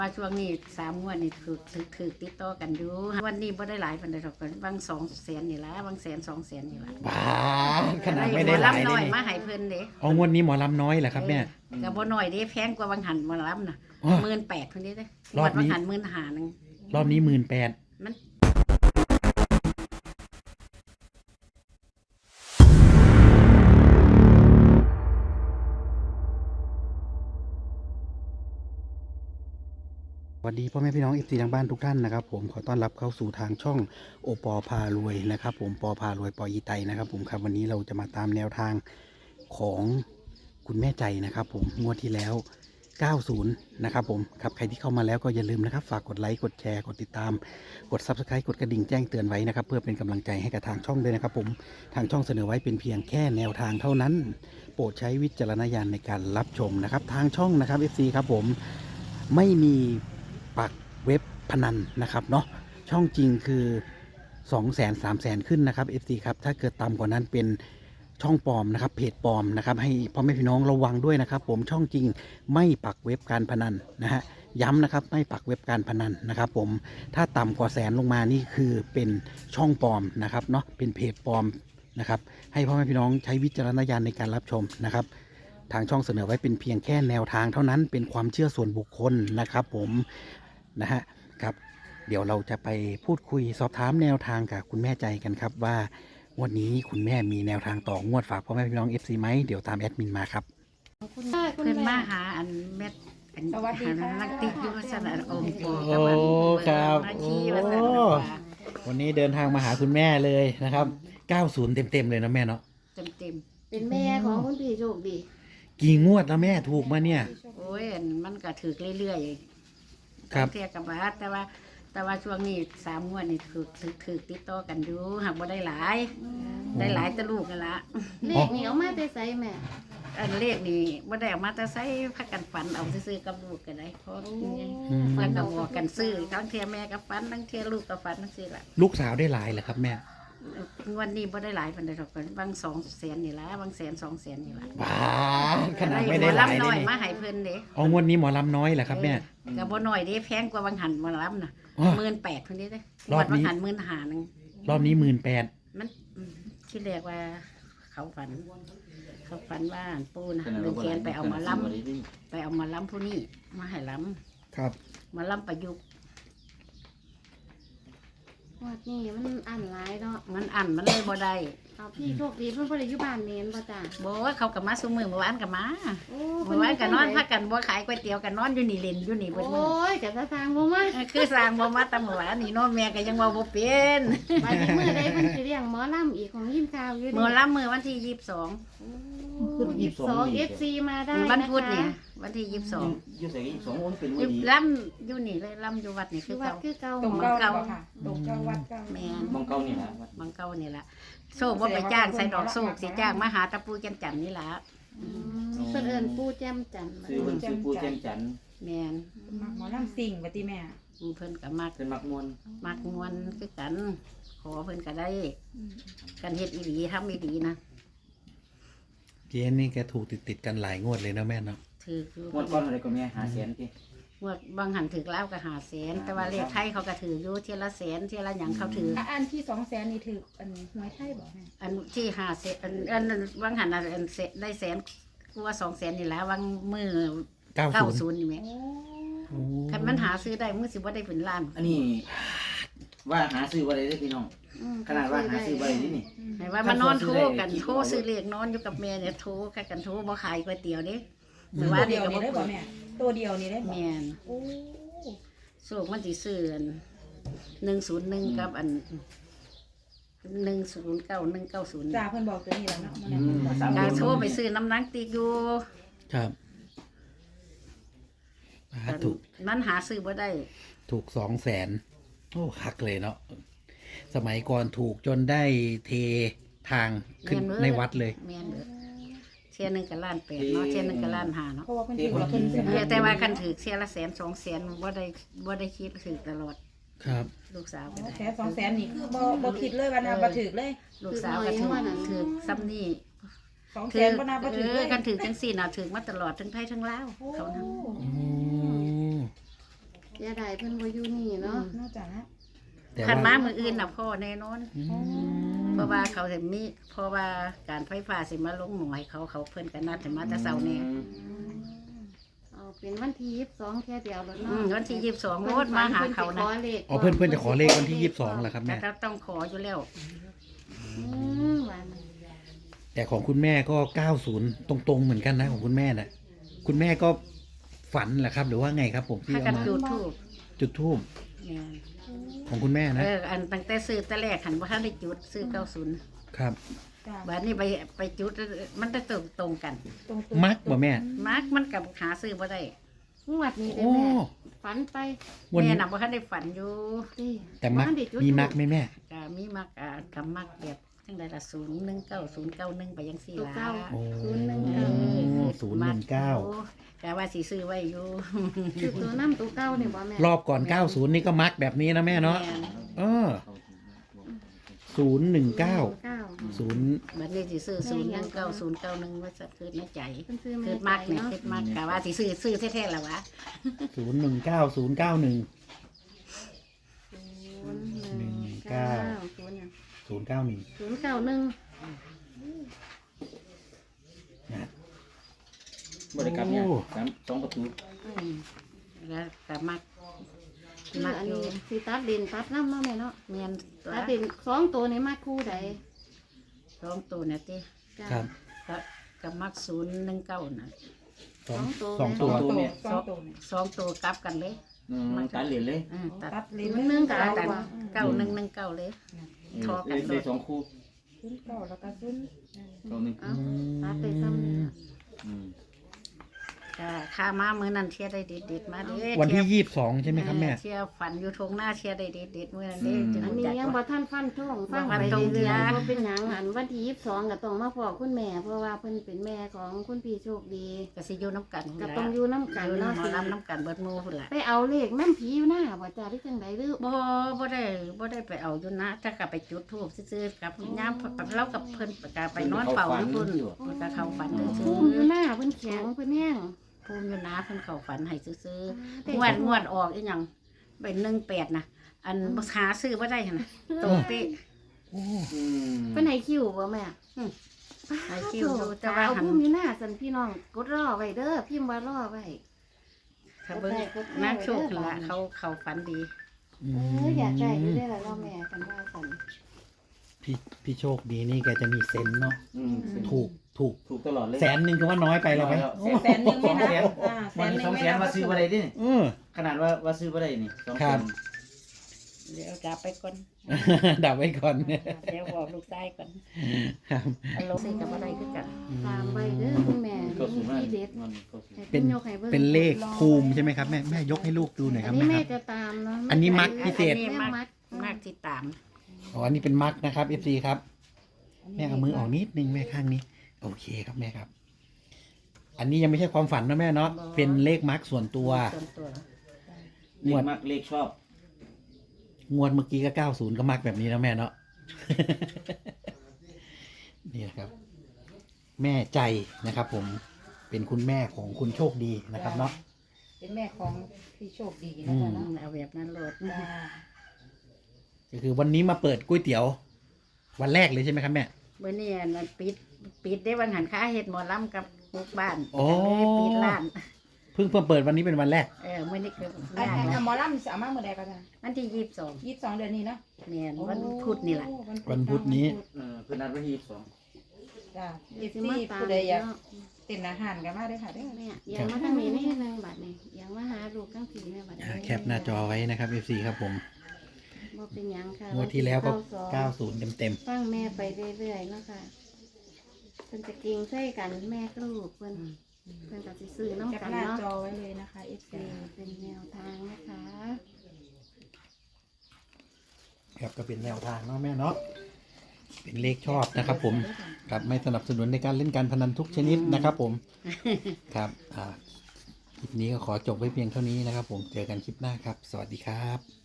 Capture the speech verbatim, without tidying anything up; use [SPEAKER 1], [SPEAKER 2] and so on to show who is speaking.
[SPEAKER 1] ว่าช่วงนี้สามงวดนี่ถือถือถือติดต่อกันอยู่วันนี้บ่ได้หลายปานใดหรอกกันบางสองแสนนี่ละบางแสนสองแสนนี่ละ
[SPEAKER 2] บ้าขนาดไม่ได้หลาย
[SPEAKER 1] หมอลำ
[SPEAKER 2] เล
[SPEAKER 1] น้อย
[SPEAKER 2] ย
[SPEAKER 1] มาให้เพิ่นเด้
[SPEAKER 2] อ๋องวดนี้หมอลำน้อยเหรอครับแม่
[SPEAKER 1] ก็บ่น้อยเด้แพงกว่าบางหันหมอลำน่ะ
[SPEAKER 2] อ๋อ
[SPEAKER 1] หมื่นแปดเพิ่นเด้เด้
[SPEAKER 2] รอบนี้
[SPEAKER 1] บางหันหมื่นห้านึง
[SPEAKER 2] รอบนี้หมื่นแปด
[SPEAKER 1] มัน
[SPEAKER 2] สวัสดีพ่อแม่พี่น้องเอฟซีทางบ้านทุกท่านนะครับผมขอต้อนรับเข้าสู่ทางช่องโอปอพารวยนะครับผมปอพารวยปออีไตนะครับผมครับวันนี้เราจะมาตามแนวทางของคุณแม่ใจนะครับผมงวดที่แล้วเก้าสิบนะครับผมครับใครที่เข้ามาแล้วก็อย่าลืมนะครับฝากกดไลค์กดแชร์กดติดตามกด ซับสไครบ์ กดกระดิ่งแจ้งเตือนไว้นะครับเพื่อเป็นกำลังใจให้กับทางช่องด้วยนะครับผมทางช่องเสนอไว้เป็นเพียงแค่แนวทางเท่านั้นโปรดใช้วิจารณญาณในการรับชมนะครับทางช่องนะครับ เอฟ ซี ครับผมไม่มีปักเว็บพนันนะครับเนาะช่องจริงคือสองแสนสามแสนขึ้นนะครับ เอฟ ซี ครับถ้าเกิดต่ำกว่านั้นเป็นช่องปลอมนะครับเพจปลอมนะครับให้พ่อแม่พี่น้องระวังด้วยนะครับผมช่องจริงไม่ปักเว็บการพนันนะฮะย้ำนะครับไม่ปักเว็บการพนันนะครับผมถ้าต่ำกว่าแสนลงมานี่คือเป็นช่องปลอมนะครับเนาะเป็นเพจปลอมนะครับให้พ่อแม่พี่น้องใช้วิจารณญาณในการรับชมนะครับทางช่องเสนอไว้เป็นเพียงแค่แนวทางเท่านั้นเป็นความเชื่อส่วนบุคคลนะครับผมนะฮะครับเดี๋ยวเราจะไปพูดคุยสอบถามแนวทางกับคุณแม่ใจกันครับว่างวดนี้คุณแม่มีแนวทางต่องวดฝากพ่อแม่พี่น้อง เอฟ ซี ไหมเดี๋ยวตามแอดมินมาครับ
[SPEAKER 3] คุณค่ะคุณ
[SPEAKER 1] เพิ่น
[SPEAKER 3] แม่
[SPEAKER 1] มาหาอันแม่อัน
[SPEAKER 3] สวัสดีค่ะ
[SPEAKER 1] นักติดอยู่ว่าซั่นน่ะองค์ปู่
[SPEAKER 2] โอ้
[SPEAKER 1] กับอัน
[SPEAKER 2] ครับ
[SPEAKER 1] มาชี้ว่าซั่น
[SPEAKER 2] โอ้
[SPEAKER 1] น่ะว่า
[SPEAKER 2] วันนี้เดินทางมาหาคุณแม่เลยนะครับเก้าสิบเต็มๆเลยนะแม่เนาะ
[SPEAKER 1] เต็ม
[SPEAKER 3] เป็นแม่ของคุณพี่โชคดี
[SPEAKER 2] กี่งวดแล้วแม่ถูกมาเนี่ย
[SPEAKER 1] ๆโอ้ยอันมันก็ถือเรื่อยๆ
[SPEAKER 2] ครับ
[SPEAKER 1] เทียกับว่าแต่ว่าแต่ว่าช่วงนี้สามงวดนี่ถือถือถือติดต่อกันอยู่หากบ่ได้หลาย ได้หลายแต่ลูกกันละ
[SPEAKER 3] เลขนี่เอามาแต่ไสแม่
[SPEAKER 1] อันเลขนี่บ่ได้เออกมาแต่ใส่พักกันฝันเอาซื้อๆกับลูกกันได้เพราะ
[SPEAKER 2] อืม
[SPEAKER 1] แล้วก็บอกกันซื้อทั้งเทียแม่กับฝันทั้งเทียลูกกับฝันทั้งซี่ล่ะ
[SPEAKER 2] ลูกสาวได้หลายเหรอครับแม่
[SPEAKER 1] วันนี้บ่ได้หลายปานใดหรอกกันบางสองแสนนี่ละบางแสนสองแสนนี่ละ
[SPEAKER 2] บ้าขนาดไม่ได้หลาย
[SPEAKER 1] หมอลำ
[SPEAKER 2] เล
[SPEAKER 1] น้อย
[SPEAKER 2] ย
[SPEAKER 1] มาให้เพิ่นเด้
[SPEAKER 2] อ๋องวดนี้หมอลำน้อยเหรอครับแม่
[SPEAKER 1] ก็บ่น้อยเด้แพงกว่าบางหันหมอลำน่ะ
[SPEAKER 2] อ๋อ
[SPEAKER 1] หมื่นแปดเพิ่นเด้เด้
[SPEAKER 2] รอบนี้
[SPEAKER 1] บางหันหมื่นห้านึง
[SPEAKER 2] รอบนี้หมื่นแปด
[SPEAKER 1] มันอืมที่เรียกว่าเขาฝัน เขาฝันว่าปู่นะดึงแขนไปเอามาล้ำไปเอามาล้ำผู้นี้มาให้ล้
[SPEAKER 2] ครับ
[SPEAKER 1] ำมาล้ำประยุกต์
[SPEAKER 3] งวดนี้มันอันหลายเนาะ
[SPEAKER 1] มันอันมันเลยบ่ได้
[SPEAKER 3] เอาพี่โชคดีเพิ่นบ่ได้อยู่บ้านเมนบ่จ้า
[SPEAKER 1] บอกว่าเขากับมาซุมือเมื่อวานกับมา
[SPEAKER 3] โอ้
[SPEAKER 1] เมื่อวานกับนอนพักกันบ่ขายก๋วยเตี๋ยวกันนอนอยู่นี่เล่นอยู่นี่เบิดมื้อ
[SPEAKER 3] โอ้ยกะตะทางบ่มา
[SPEAKER 1] เออคือสร้างบ่มาแตำเมื่อวานนี่เนอนแม่ก็ยังว่าบ่เป็น
[SPEAKER 3] บัดนี้มื้อใดเพิ่นสิเลี้ยงหมอลำอีกของยินข่าวอยู่
[SPEAKER 1] เมื่อล้ำมือวันที่ยี่สิบสอง
[SPEAKER 3] คุณยี่สิบสอง เอฟ ซี มาได้
[SPEAKER 1] วัน
[SPEAKER 3] นะคะ
[SPEAKER 1] พุธเนี่ยวันที่ยี่สิบสอง
[SPEAKER 4] อยู่ใส่อีกสององค์เป็น
[SPEAKER 1] อ
[SPEAKER 4] มื
[SPEAKER 1] ยู่
[SPEAKER 4] อดี
[SPEAKER 1] ล้ำอยู่นี่เลยล้ำอยู่วัดนี่คื
[SPEAKER 3] คือ
[SPEAKER 1] อ
[SPEAKER 3] วัด
[SPEAKER 1] เก่า
[SPEAKER 3] คือเก่า
[SPEAKER 5] ตรง
[SPEAKER 3] หมอ
[SPEAKER 5] เก้าค่ะตรงเก้าวัดเก้า
[SPEAKER 1] แม่น
[SPEAKER 4] มองเก้านี่แหละ
[SPEAKER 1] บางเก่านี่ล่ะโชคว่าไปจ้างใส่ดอกโชคสิจ้างมาหาตะปูจันจันนี่ล่ะ
[SPEAKER 3] อืมเพิ่นเอิ้นปู่แจ่มจันทร์
[SPEAKER 4] ซื้อเพิ่นซื้อปูแจ่มจันทร์
[SPEAKER 1] แม่น
[SPEAKER 5] หมอลำสิ่งปฏิแม่
[SPEAKER 1] เพิ่นก็มัก
[SPEAKER 4] เป็นมักมวน
[SPEAKER 1] มักมวนคือกัน ขอเพิ่นก็ได้ กันเฮ็ดอีหลีทำอีหลีนะ
[SPEAKER 2] เจ๊นี่แกถูกติดติดๆกันหลายงวดเลยนะแม่เนาะ
[SPEAKER 1] ถือคือ
[SPEAKER 4] มวนก้อนอะไรก็แม่หาแสนกี่
[SPEAKER 1] งวดบางหันถือแล้วก็หาแสนแต่ว่าเลขไทยเขาก็ถืออยู่เทียละแสนเทียละหยังเขาถือ
[SPEAKER 5] อ่ะอันที่สองแสนนี่ถืออันหวยไทยบอกแม่
[SPEAKER 1] อันที่หาแสนอันอันอันบางหันอันอันเสได้แสนกว่าสองแสนนี่แหละวางมือ
[SPEAKER 2] เก้า
[SPEAKER 1] เก้า
[SPEAKER 2] ศู
[SPEAKER 1] ศู
[SPEAKER 2] นย์
[SPEAKER 1] นย์นี่ไหม
[SPEAKER 5] โอ้
[SPEAKER 1] คันมันหาซื้อได้มือสิว่าได้เป็นล้าน
[SPEAKER 4] อันนี้ว่าหาซื้อบ่ได้เด้อพี่น้อง
[SPEAKER 3] อืม
[SPEAKER 4] ขนาดว่าหาซื้อบ่ได้นี่นี่
[SPEAKER 1] ไหนว่ามันนอนโทรกันโทรซื้อเลขนอนอยู่กับแม่เนี่ยโทรกันกันโทรบ่ขายก๋วยเตี๋ยวเด้หรือ
[SPEAKER 5] ตั
[SPEAKER 1] ว่าว
[SPEAKER 5] เดี
[SPEAKER 1] เด็ก
[SPEAKER 5] ยว
[SPEAKER 1] ก็
[SPEAKER 5] นี่
[SPEAKER 1] บ่
[SPEAKER 5] ได้บ
[SPEAKER 1] เปิ
[SPEAKER 5] อก
[SPEAKER 1] ด
[SPEAKER 5] แม่ตัวเดียวนี่ได้บอก
[SPEAKER 1] แม่น
[SPEAKER 5] โอ้
[SPEAKER 1] สูกมันสิซื้อหนึ่งศูนย์หนึ่งกับอันหนึ่งศูนย์เก้าหนึ่งเก้าศูนย์
[SPEAKER 5] จ่าเพิ่นบอกตัวนี้แล้วเนาะมัน
[SPEAKER 4] อืม
[SPEAKER 5] บอก
[SPEAKER 4] สาม
[SPEAKER 1] กา
[SPEAKER 4] เดือน
[SPEAKER 1] โทรไปซื้อน้ำหนังติดอยู่
[SPEAKER 2] ครับอ่าถูก
[SPEAKER 1] นั้นหาซื้อบ่ได้
[SPEAKER 2] ถูกสองแสนโอ้คักเลยเนาะสมัยก่อนถูกจนได้เททางขึ้น
[SPEAKER 1] แม่นเว้ย
[SPEAKER 2] ในวัดเลย
[SPEAKER 1] แม่นเด้อเที่ยหนึงก็ล้านแปดเนาะเที่ยหนึงก็ล้านห้าเนาะ
[SPEAKER 5] เพราะว่าเพิ่นถือว่าเพิ่น
[SPEAKER 1] เออแต่ว่าคันถือเที่ยละแสนสองแสนบ่ได้บ่ได้คิดถือตลอด
[SPEAKER 2] ครับ
[SPEAKER 1] ลูกสาวก็ได้
[SPEAKER 5] แสนสองแสนนี่คือบ่บ่คิดเลยว่าน่าบ่ถือเลย
[SPEAKER 1] ลูกสาวก็ถือถือซ้ำนี่
[SPEAKER 5] สองแส
[SPEAKER 1] ถื
[SPEAKER 5] นบ่น่าบ่
[SPEAKER 1] เอ
[SPEAKER 5] ถือเล
[SPEAKER 1] อย กันถือจังสี่น่ะถือมาตลอดทั้งไทยทั้งลาว
[SPEAKER 5] โอ้
[SPEAKER 1] เขานะ
[SPEAKER 2] อืม
[SPEAKER 3] สียดายเพิ่นบ่อยู่นี่เนาะ
[SPEAKER 5] นอกจากนะ
[SPEAKER 2] แต่
[SPEAKER 1] คัน
[SPEAKER 2] ว่า
[SPEAKER 1] มามืออื่นน่ะพ่อแน่นอน
[SPEAKER 2] อืม
[SPEAKER 1] เพราะว่าเขาจะมีเพราะว่าการไฟฟ้าสิมาลงหน่วยเขาเขาเพิ่นกันนัดจะมาแต่เช้าแน่
[SPEAKER 3] เอาเป็นวันที่ยี่สิบสองแค่เดียวแล้ว
[SPEAKER 1] อื
[SPEAKER 3] เนาะ
[SPEAKER 1] มวันที่ยี่สิบสองโลดมาหาเขานะ
[SPEAKER 2] อ๋อเพื่อนเพื่อนจะขอเลขวันที่ยี่สิบสองเหรอครับ
[SPEAKER 1] แต่
[SPEAKER 2] แม่
[SPEAKER 1] ก็ต้องขออยู่แล้ว
[SPEAKER 3] อืมวัน
[SPEAKER 2] แต่ของคุณแม่ก็เก้าสิบตรงๆเหมือนกันนะของคุณแม่น่ะ คุณแม่ก็ฝันเหรอครับ หรือว่าไงครับ ผมที่
[SPEAKER 1] ถ้า
[SPEAKER 2] เอา
[SPEAKER 1] กัน
[SPEAKER 2] มา
[SPEAKER 1] จุดทูบ
[SPEAKER 2] จุดธูป
[SPEAKER 1] เนี่ย
[SPEAKER 2] ของคุณแม่นะ
[SPEAKER 1] เอออันตั้งแต่ซื้อแต่แรกหันว่าท่านได้จุดซื้อเก้าศูนย์
[SPEAKER 2] ครับ
[SPEAKER 5] จ้า
[SPEAKER 1] บัดนี้ไปไปจุดมันได้ตรงตรงกัน
[SPEAKER 5] ตรง
[SPEAKER 2] มักบ่แม่
[SPEAKER 1] มาร์กมันกับหาซื้อบ่ได้
[SPEAKER 3] งวดนี้ได้
[SPEAKER 2] โอ้
[SPEAKER 3] แม่ฝันไป
[SPEAKER 2] วัน
[SPEAKER 1] แม่
[SPEAKER 2] นี้
[SPEAKER 1] น่ะบ่ทันได้ฝันอยู่
[SPEAKER 3] ดิ
[SPEAKER 2] แต่มัก
[SPEAKER 3] บ้านได้จุด
[SPEAKER 2] มีมักไหมแม่
[SPEAKER 1] ก็มีมักอ่ากับมักแบบจังได๋ล่ะศูนย์หนึ่งเก้าศูนย์เก้าหนึ่งไปจังซี่
[SPEAKER 3] ตัว
[SPEAKER 1] ล่ะ
[SPEAKER 3] เก้า
[SPEAKER 2] โอ้
[SPEAKER 3] ศูนย์หนึ่ง
[SPEAKER 1] เอ
[SPEAKER 3] เก้า
[SPEAKER 1] อ
[SPEAKER 2] ศูนย์หนึ่งเก้า
[SPEAKER 1] ก็ว่าสิซื้อไว้อยู่
[SPEAKER 3] คือตัวน้ำตัวเก้าเนี่ยบ่แม่
[SPEAKER 2] รอบก่อนเก้าสิบนี่ก็มักแบบนี้นะแม่เนาะ
[SPEAKER 1] แม่
[SPEAKER 2] เออศูนย์หนึ่งเก้า
[SPEAKER 3] เก้า
[SPEAKER 2] ศูนย์
[SPEAKER 1] บัดนี้สิซื้อศูนย์หนึ่งเก้าศูนย์เก้าหนึ่งไว้สักคืนในใจ
[SPEAKER 3] เพิ่นซื้อ
[SPEAKER 1] คื
[SPEAKER 3] แม่
[SPEAKER 1] อมัก
[SPEAKER 3] ใจ
[SPEAKER 1] เนี่ย
[SPEAKER 3] เนาะ
[SPEAKER 1] คือมักก็ว่าสิซื้อซื้อแท้ๆล่ะวะ
[SPEAKER 2] ศูนย์หนึ่งเก้าศูนย์เก้าหนึ่ง
[SPEAKER 3] ศูนย์หนึ่งเก้าศูนย์หนึ่ง
[SPEAKER 2] ศูนย์เก้าหนึ่ง
[SPEAKER 3] ศูนย์เก้าหนึ่ง
[SPEAKER 2] นะ
[SPEAKER 4] บริกรรมเนี่ยสามสองประตู
[SPEAKER 1] อืมแล้วก็มัก
[SPEAKER 3] คือ
[SPEAKER 1] มัก
[SPEAKER 3] อัน
[SPEAKER 1] อยู่
[SPEAKER 3] นี้สิตัดเด่นตัดน้ำเนาะแม่เนาะ
[SPEAKER 1] เมียนตัว
[SPEAKER 3] ตัดเด่นสองตัวนี้มาคู่ใด
[SPEAKER 1] สองตัวเนี่ยติ
[SPEAKER 3] จ้ะ
[SPEAKER 2] ครับ
[SPEAKER 1] ก็ก็มักศูนย์หนึ่งเก้าน่ะ
[SPEAKER 2] สอง
[SPEAKER 3] ส
[SPEAKER 2] ส
[SPEAKER 3] อ
[SPEAKER 2] อง ง
[SPEAKER 3] ตั
[SPEAKER 2] ตัว ว
[SPEAKER 5] ตัวสองตัวเนี่ย
[SPEAKER 1] สองตัวกลับกันเลย
[SPEAKER 4] อืมตัดเหรียญเลย
[SPEAKER 1] อืมตัด
[SPEAKER 5] ตัดเล
[SPEAKER 3] ศู
[SPEAKER 5] ย
[SPEAKER 3] นย์หนึ่ง
[SPEAKER 1] ตั
[SPEAKER 3] เก้า
[SPEAKER 1] ดกัน
[SPEAKER 3] ว่ะ
[SPEAKER 1] เก้าหนึ่งหนึ่งเก้าเลย ทอกัน
[SPEAKER 4] เลยสองคู่
[SPEAKER 5] ศูนย์เก้าแล้วก็ศูนย์
[SPEAKER 4] ตรงนี้
[SPEAKER 3] เอาตัดไปซ้ำนี่ล่ะ
[SPEAKER 4] อืม
[SPEAKER 1] ก็ข้ามามื้อนั้นเชียร์ได้เด็ดๆมาเด้
[SPEAKER 2] วันที่
[SPEAKER 1] เชียร์
[SPEAKER 2] ยี่สิบสองใช่ไหมครับแม่
[SPEAKER 1] เชียร์ฝันอยู่ทงหน้าเชียร์ได้เด็ดๆมื้อนั้นเด้จะ
[SPEAKER 3] อัน
[SPEAKER 1] รู้
[SPEAKER 3] นี้
[SPEAKER 1] จัก
[SPEAKER 3] ยังบ่
[SPEAKER 1] ว่า
[SPEAKER 3] ท่านฟันท่องฟัง
[SPEAKER 1] บ่ฟัน
[SPEAKER 3] ไป
[SPEAKER 1] ธง
[SPEAKER 3] เรื่อย
[SPEAKER 1] จ้ะ
[SPEAKER 3] ๆบ่เป็นหยังอันวันที่ยี่สิบสองก็ต้องมาพอคุณแม่ เพราะว่าเพิ่นเป็นแม่ของคุณพี่โชคดี
[SPEAKER 1] ก็สิอยู่น้ำกัน
[SPEAKER 3] ก็
[SPEAKER 1] พุ่นล่ะ
[SPEAKER 3] ต้องอยู่น้ำกัน
[SPEAKER 1] อยู่
[SPEAKER 3] เนาะ
[SPEAKER 1] หมอลำน้ำกันเบิดหมู่พุ่นล่ะ
[SPEAKER 3] ไปเอาเลขน้ำผีอยู่หน้าบ่จ้าหรือจังไดหรือ
[SPEAKER 1] บ่บ่ได้บ่ได้ไปเอาอยู่นะถ้าก็ไปจุดธูปซื่อๆกับยามเรากับเพิ่นก็ไปนอนเฝ้าอยู่พุ่นเพิ่นก็เข้าฝันซื่
[SPEAKER 3] ภู
[SPEAKER 1] อ
[SPEAKER 3] มิอยู่หน้าเพิ่นแข็งเพิ่นแห้ง
[SPEAKER 1] ๆภูมิอยู่นะเพิ่นเข้าฝันให้ซื่อๆ
[SPEAKER 3] แต่
[SPEAKER 1] งวดงวดออกอีหยังเป็นหนึ่งแปดนะอันบ่หาซื้อบ่ได้หั่นน่ะตรงเป๊ะ
[SPEAKER 2] โอ้
[SPEAKER 4] อืม
[SPEAKER 3] เพิ่นให้คิวบ่แม่
[SPEAKER 1] ให้คิวอยู่แต่
[SPEAKER 3] แต่
[SPEAKER 1] ว่า
[SPEAKER 3] ว่า
[SPEAKER 1] หัน
[SPEAKER 3] ภูมิอยู่หน้าสันพี่น้องกดรอไว้เด้อพิมพ์ว่ารอไว้
[SPEAKER 1] ถ้าเบิ่งนางโชคนั่นล่ะเขาเขาฝันดี
[SPEAKER 2] อื
[SPEAKER 3] เอ
[SPEAKER 2] ม
[SPEAKER 3] ออยากได้อยู่ได้อล่ะเนาะแม่กันว่าสัน
[SPEAKER 2] พี่พี่โชคดีนี่แกจะมีเซนส์เนาะ
[SPEAKER 4] อืม
[SPEAKER 2] ถูกถูก
[SPEAKER 4] ถูกตลอดเลย
[SPEAKER 2] แสนหนึ่งก็ว่าน้อยไปแล้วไหม
[SPEAKER 5] แสนหนึ่งไม่นับอ่าแส
[SPEAKER 4] วัน
[SPEAKER 5] นห
[SPEAKER 4] นี้
[SPEAKER 5] นึ่
[SPEAKER 4] สอง ง
[SPEAKER 5] ไม่
[SPEAKER 4] แสน
[SPEAKER 5] นับ
[SPEAKER 4] ว่าซื้อบ่ได้ดิ
[SPEAKER 2] เออ
[SPEAKER 4] ขนาดว่าว่าซื้อบ่ได้นี่สอง
[SPEAKER 2] ครั
[SPEAKER 4] แส
[SPEAKER 2] บ
[SPEAKER 4] น
[SPEAKER 1] เดี๋ยวกลับไปก่อน
[SPEAKER 2] ดับไว้ก่อน
[SPEAKER 1] เดี๋ยวบอกลูกชายก่อน
[SPEAKER 2] ครับ
[SPEAKER 1] เอาลงซื้อกับบ่ได้คือกัน
[SPEAKER 3] ตามไว้เด้อคุณแม่
[SPEAKER 4] ก็สูงมาก
[SPEAKER 3] ที่เด็ด
[SPEAKER 4] มันก็สูง
[SPEAKER 3] ให้
[SPEAKER 2] เป็
[SPEAKER 3] เพิ่
[SPEAKER 2] น
[SPEAKER 3] นยกให้เบิ่ง
[SPEAKER 2] เป็นเลขภูมิใช่ไหมครับแม่แม่ยกให้ลูกดูหน่อยค
[SPEAKER 3] อั
[SPEAKER 2] รั
[SPEAKER 3] น
[SPEAKER 2] บ
[SPEAKER 3] นี้
[SPEAKER 2] แม่
[SPEAKER 3] แม่
[SPEAKER 2] ครับ
[SPEAKER 3] จะตามเนาะ
[SPEAKER 2] อันนี้มัดพิเศษ
[SPEAKER 3] แม่มัด
[SPEAKER 1] มากที่ตาม
[SPEAKER 2] อ๋ออันนี้เป็นมักนะครับ เอฟซีครับ แม่เอามือออกนิดนึงแม่ข้างนี้ โอเคครับแม่ครับ อันนี้ยังไม่ใช่ความฝันนะแม่เนาะเป็นเลขมักส่วนตัว
[SPEAKER 1] ส่วนตัว
[SPEAKER 4] เลขมักเลขชอบ
[SPEAKER 2] งวดเมื่อกี้ก็เก้าศูนย์ก็มักแบบนี้แล้วแม่เนาะ นี่นะครับ แม่ใจนะครับ ผมเป็นคุณแม่ของคุณโชคดีนะครับเนาะ
[SPEAKER 5] เป็นแม่ของพี่โชคดี
[SPEAKER 2] อื
[SPEAKER 5] นะ
[SPEAKER 2] ม
[SPEAKER 5] จ๊ะเนาะ
[SPEAKER 1] เอาแบบนั้นโลด
[SPEAKER 5] จ้า
[SPEAKER 2] ก็คือวันนี้มาเปิดก๋วยเตี๋ยว วันแรกเลยใช่ไหมครับแม่
[SPEAKER 1] เมื่อนี้อันนั้นปิดปิดได้วันหันค้าเฮ็ดหมอลำกับลูกบ้าน
[SPEAKER 2] โอ้
[SPEAKER 1] ก็เลยปิดร้าน
[SPEAKER 2] เพิ่งเพิ่งเปิดวันนี้เป็นวันแรก
[SPEAKER 1] เออมื้อนี้คือ
[SPEAKER 5] อัน
[SPEAKER 1] ร้าน
[SPEAKER 5] อัน
[SPEAKER 1] นะ
[SPEAKER 5] หมอลำสามารถเมื่อใดก็ได้
[SPEAKER 1] วันที่ยี่สิบสอง
[SPEAKER 5] ยี่สิบสองเดือนนี้เนาะ
[SPEAKER 1] แม่นวันพุธนี่ล่ะ
[SPEAKER 2] วันพุธนี้
[SPEAKER 4] เออคือนัดไว้ที่ยี่สิบสอง
[SPEAKER 5] จ้า
[SPEAKER 3] เดี๋
[SPEAKER 5] ยี่
[SPEAKER 3] ยว
[SPEAKER 5] สิ
[SPEAKER 3] สิ
[SPEAKER 5] บ
[SPEAKER 3] มา
[SPEAKER 5] สี่
[SPEAKER 3] ตาม
[SPEAKER 5] ผู้ใดอยาก
[SPEAKER 3] เนาะ
[SPEAKER 5] เต้นอาหารกันมาได้อค่ะเด้อ
[SPEAKER 3] แม่ยังมาทางนี้นี่นึงบัดนี้ยังมาหาลูกทั้งผีแม่บัด
[SPEAKER 2] อ่า
[SPEAKER 3] นี้
[SPEAKER 2] แคปหน้าจอไว้นะครับ เอฟซีครับผม
[SPEAKER 3] บ่เป็นหยังค่ะ
[SPEAKER 2] งวดที่แล้วก็
[SPEAKER 3] เก้า
[SPEAKER 2] เก้าศูนย์เต็มเต็ม
[SPEAKER 3] ฟังแม่ไปเรื่อยๆเนาะค่ะเพิ่นจะเก่งใส่กันแม่กับลูกเพิ่นเพิ่นก็สิซื้อน้ำ
[SPEAKER 5] จับ
[SPEAKER 3] กัน
[SPEAKER 5] หน้า
[SPEAKER 3] เนาะ
[SPEAKER 5] จอไว้เลยนะคะ เอฟซี
[SPEAKER 3] เป็นแนวทางนะคะ
[SPEAKER 2] ๆครับก็เป็นแนวทางเนาะแม่เนาะเป็นเลขชอบนะครับ ผมครับไม่สนับสนุนในการเล่นการพนันทุกชนิดนะครับ ผม ครับอ่าคลิปนี้ก็ขอจบไว้เพียงเท่านี้นะครับ ผมเจอกันคลิปหน้าครับ สวัสดีครับ